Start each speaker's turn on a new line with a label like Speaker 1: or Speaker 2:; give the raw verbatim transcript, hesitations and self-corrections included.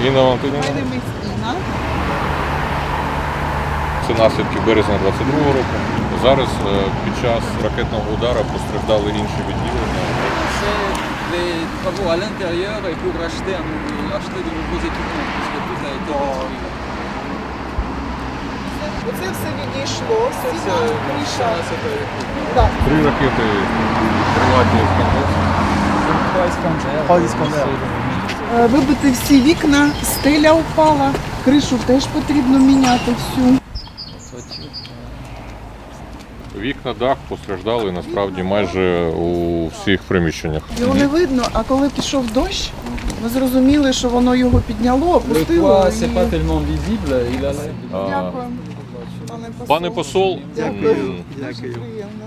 Speaker 1: Інна Валентинівна.
Speaker 2: Інна.
Speaker 1: Це наслідки березня двадцять другого року. Зараз е, під час ракетного удару постраждали інші відділення.
Speaker 3: C'est des travaux à l'intérieur et pour acheter, un, acheter de nouveaux équipements, puisque tout a été détruit.
Speaker 2: Оце все відійшло,
Speaker 3: Ça,
Speaker 2: стіна,
Speaker 3: c'est-
Speaker 2: криша.
Speaker 3: ça, c'est pas électrique.
Speaker 2: Так.
Speaker 1: Три ракети приватні
Speaker 4: Trois
Speaker 2: Е, Вибити всі вікна, стеля впала, кришу теж потрібно міняти всю.
Speaker 1: Вікна, дах постраждали насправді майже у всіх приміщеннях.
Speaker 2: Його не видно, а коли пішов дощ, ми зрозуміли, що воно його підняло,
Speaker 3: Le
Speaker 2: опустило.
Speaker 3: toit,
Speaker 2: і-
Speaker 3: c'est pas tellement visible, il a l'air.
Speaker 1: А,
Speaker 2: Дякую. Пане посол.
Speaker 1: Пане посол,
Speaker 2: Дякую.
Speaker 1: м,
Speaker 2: Дуже приємно.